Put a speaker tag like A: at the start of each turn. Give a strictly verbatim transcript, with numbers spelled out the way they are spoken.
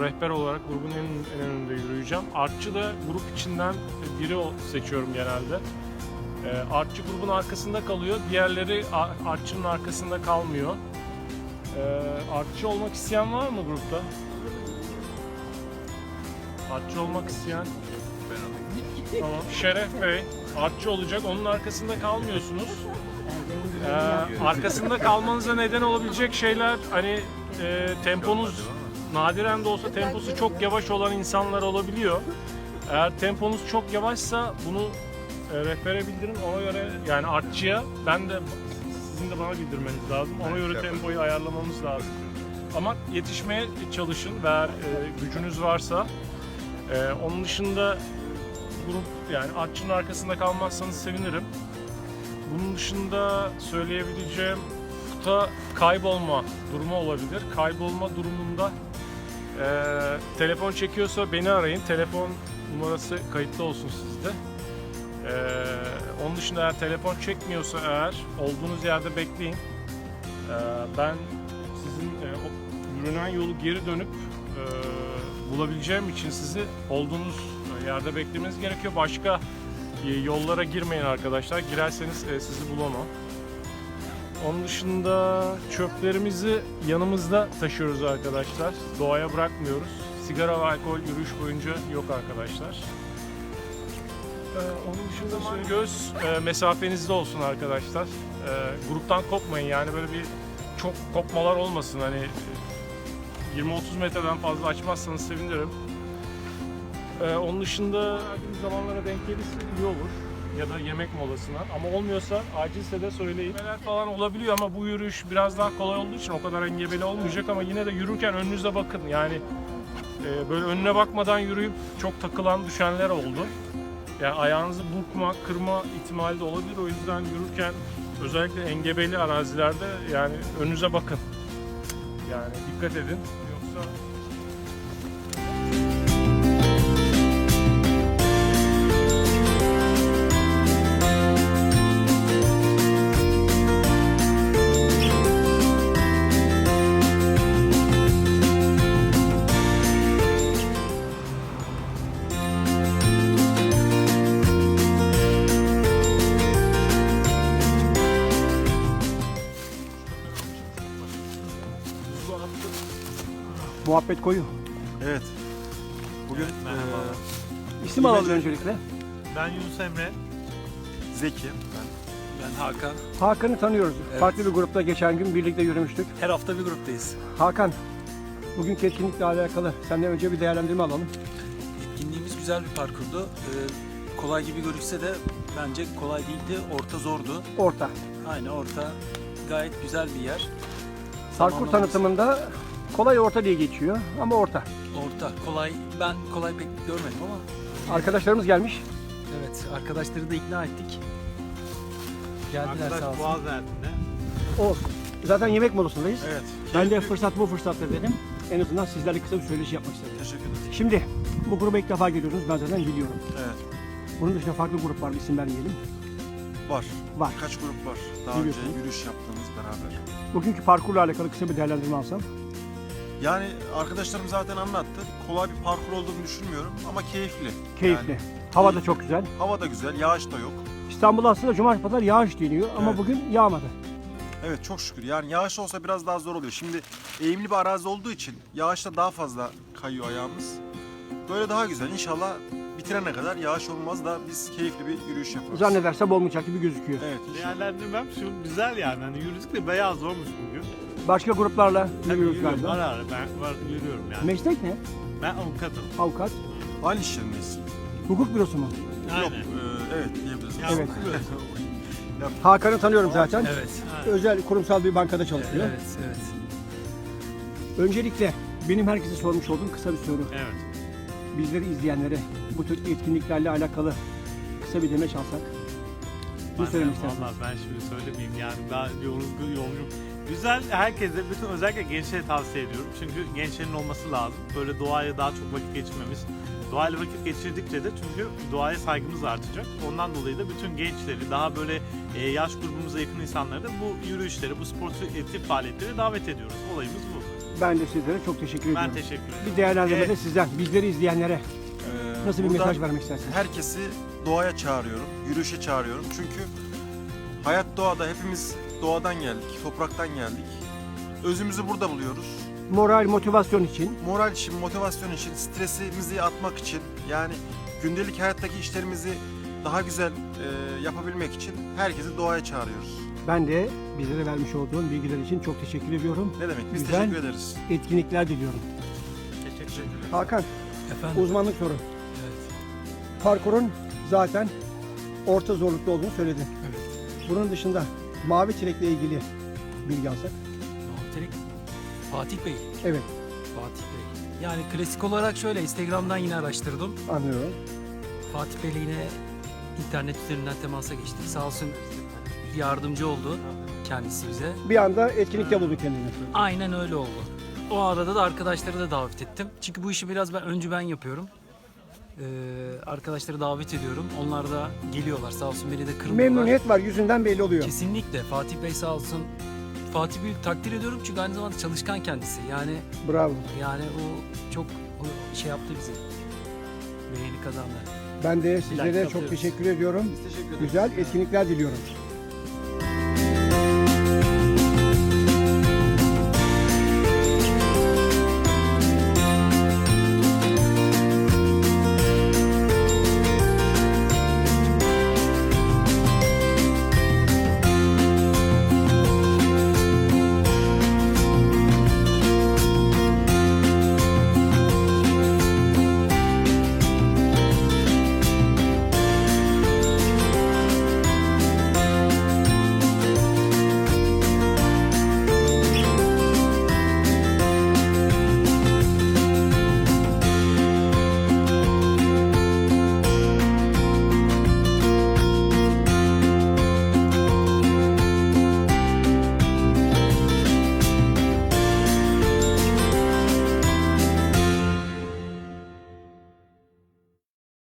A: rehber olarak grubun en, en önünde yürüyeceğim. Artçı da grup içinden biri seçiyorum genelde. E, artçı grubun arkasında kalıyor, diğerleri artçının arkasında kalmıyor. E, artçı olmak isteyen var mı grupta? Artçı olmak isteyen? Tamam. Şeref Bey artçı olacak, onun arkasında kalmıyorsunuz. Ee, arkasında kalmanıza neden olabilecek şeyler, hani e, temponuz nadiren de olsa temposu çok yavaş olan insanlar olabiliyor. Eğer temponuz çok yavaşsa bunu e, rehbere bildirin, ona göre, yani artçıya, ben de sizin de bana bildirmeniz lazım. Ona göre tempoyu ayarlamamız lazım. Ama yetişmeye çalışın eğer e, gücünüz varsa. E, onun dışında grup, yani artçının arkasında kalmazsanız sevinirim. Bunun dışında söyleyebileceğim, kuta kaybolma durumu olabilir. Kaybolma durumunda e, telefon çekiyorsa beni arayın. Telefon numarası kayıtlı olsun sizde. E, onun dışında eğer telefon çekmiyorsa, eğer olduğunuz yerde bekleyin. E, ben sizin e, o yürünen yolu geri dönüp e, bulabileceğim için sizi olduğunuz yerde beklemeniz gerekiyor. Başka yollara girmeyin arkadaşlar. Girerseniz sizi bulamam. Onun dışında çöplerimizi yanımızda taşıyoruz arkadaşlar. Doğaya bırakmıyoruz. Sigara ve alkol yürüyüş boyunca yok arkadaşlar. Onun dışında şöyle göz mesafenizde olsun arkadaşlar. Gruptan kopmayın, yani böyle bir çok kopmalar olmasın. Hani yirmi otuz metreden fazla açmazsanız sevinirim. Ee, onun dışında acil zamanlara denk gelirse iyi olur, ya da yemek molasına, ama olmuyorsa acilse de söyleyin. Neler falan olabiliyor ama bu yürüyüş biraz daha kolay olduğu için o kadar engebeli olmayacak, ama yine de yürürken önünüze bakın. Yani e, böyle önüne bakmadan yürüyüp çok takılan, düşenler oldu. Yani ayağınızı burkma, kırma ihtimali de olabilir. O yüzden yürürken özellikle engebeli arazilerde yani önünüze bakın. Yani dikkat edin. Yoksa
B: muhabbet koyu.
C: Evet. Bugün
D: Evet, merhaba.
C: e,
B: İsim alalım öncelikle.
D: Ben Yunus Emre.
C: Zeki. Ben.
D: Ben Hakan.
B: Hakan'ı tanıyoruz.
D: Evet.
B: Farklı bir grupta geçen gün birlikte yürümüştük.
D: Her hafta bir gruptayız.
B: Hakan, bugünkü etkinlikle alakalı senden önce bir değerlendirme alalım.
E: Etkinliğimiz güzel bir parkurdu. Ee, kolay gibi görükse de bence kolay değildi. Orta zordu.
B: Orta.
E: Aynı orta gayet güzel bir yer.
B: Parkur
E: Zamanlaması-
B: tanıtımında kolay orta diye geçiyor ama orta.
E: Orta. Kolay. Ben kolay pek görmedim ama.
B: Arkadaşlarımız gelmiş.
E: Evet. Arkadaşları da ikna ettik. Geldiler sağ
D: Arkadaş
E: olsun.
D: Boğaz Ertin'de.
B: O. Zaten yemek molasındayız.
C: Evet.
B: Ben de fırsat bu fırsatta dedim. En azından sizlerle kısa bir söyleşi yapmak istedim.
C: Teşekkür ederim.
B: Şimdi bu gruba ilk defa geliyorsunuz. Ben zaten biliyorum.
C: Evet.
B: Bunun dışında farklı grup var. İsim vermeyelim.
C: Var.
B: Var.
C: Birkaç grup var. Daha
B: Biliyorsun.
C: önce yürüyüş yaptığımız beraber.
B: Bugünkü parkurla alakalı kısa bir değerlendirme alsam.
C: Yani arkadaşlarım zaten anlattı. Kolay bir parkur olduğunu düşünmüyorum ama keyifli.
B: Keyifli.
C: Yani
B: Hava da çok güzel.
C: hava da güzel, yağış da yok.
B: İstanbul'da aslında cumartesi pazar yağış deniyor ama
C: Evet.
B: bugün yağmadı.
C: Evet, çok şükür. Yani yağış olsa biraz daha zor oluyor. Şimdi eğimli bir arazi olduğu için yağışta daha fazla kayıyor ayağımız. Böyle daha güzel. İnşallah bitirene kadar yağış olmaz da biz keyifli bir yürüyüş yaparız.
B: Zannedersem olmayacak gibi gözüküyor.
C: Evet. inşallah.
D: Değerlendirmem şu güzel yani. Hani yürüdük de beyaz olmuş bugün.
B: Başka gruplarla
D: Tabii
B: yürüyoruz
D: yürüyorum. Ara
B: galiba.
D: ara ben var, yürüyorum yani.
B: Meslek ne?
D: Ben avukatım.
B: Avukat.
C: Aynı iş yerindeyiz.
B: Hukuk bürosu mu?
D: Aynen.
C: Yok, e, evet diyebiliriz.
D: Ya,
B: Evet.
D: okuyoruz.
B: Hakan'ı tanıyorum zaten.
E: Evet.
B: Özel kurumsal bir bankada çalışıyor.
E: Evet. Evet.
B: Öncelikle benim herkese sormuş olduğum kısa bir soru.
D: Evet.
B: Bizleri izleyenlere bu tür etkinliklerle alakalı kısa bir demeç alsak. Ne
D: Ben-
B: söylemek istersin?
D: Vallahi ben şimdi söylemeyeyim yani daha yorgun yolcuyum. Güzel, herkese, bütün özellikle gençlere tavsiye ediyorum. Çünkü gençlerin olması lazım. Böyle doğaya daha çok vakit geçirmemiz. Doğayla vakit geçirdikçe de çünkü doğaya saygımız artacak. Ondan dolayı da bütün gençleri, daha böyle e, yaş grubumuza yakın insanları da bu yürüyüşlere, bu sportif faaliyetleri davet ediyoruz. Olayımız bu.
B: Ben de sizlere çok teşekkür ediyorum.
D: Ben teşekkür ederim.
B: Bir değerlendirme de
D: Evet.
B: sizden, bizleri izleyenlere
C: Ee,
B: nasıl bir
C: buradan
B: mesaj vermek istersiniz?
C: Herkesi doğaya çağırıyorum, yürüyüşe çağırıyorum. Çünkü hayat doğada, hepimiz doğadan geldik, topraktan geldik. Özümüzü burada buluyoruz.
B: Moral, motivasyon için
C: Moral için, motivasyon için, stresimizi atmak için, yani gündelik hayattaki işlerimizi daha güzel e, yapabilmek için herkesi doğaya çağırıyoruz.
B: ben de bizlere vermiş olduğun bilgiler için çok teşekkür ediyorum.
C: Ne demek? Biz
B: Güzel.
C: teşekkür ederiz.
B: Etkinlikler diliyorum.
D: Teşekkür ederim.
B: Hakan,
E: Efendim?
B: uzmanlık soru.
E: Evet.
B: Parkurun zaten orta zorlukta olduğunu söyledin.
E: Evet.
B: Bunun dışında mavi çilekle ilgili bilgi alsak.
E: Muhterek Fatih Bey.
B: Evet,
E: Fatih Bey. Yani klasik olarak şöyle Instagram'dan yine araştırdım.
B: anlıyorum.
E: Fatih Bey'le yine internet üzerinden temasa geçtik. Sağ olsun yardımcı oldu kendisi bize.
B: Bir anda etkinlikte bulduk kendini.
E: Aynen öyle oldu. O arada da arkadaşları da davet ettim. Çünkü bu işi biraz ben öncü ben yapıyorum. Ee, arkadaşları davet ediyorum. Onlar da geliyorlar. Sağ olsun beni de kırmıyorlar.
B: Memnuniyet var, yüzünden belli oluyor.
E: Kesinlikle. Fatih Bey sağ olsun. Fatih Bey'i takdir ediyorum çünkü aynı zamanda çalışkan kendisi. Yani
B: Bravo.
E: yani o çok o şey yaptı bizi. Beğeni kazandı.
B: Ben de sizlere
E: Like
B: çok
E: atıyoruz.
B: teşekkür ediyorum.
C: Biz teşekkür ederiz.
B: Güzel etkinlikler diliyorum.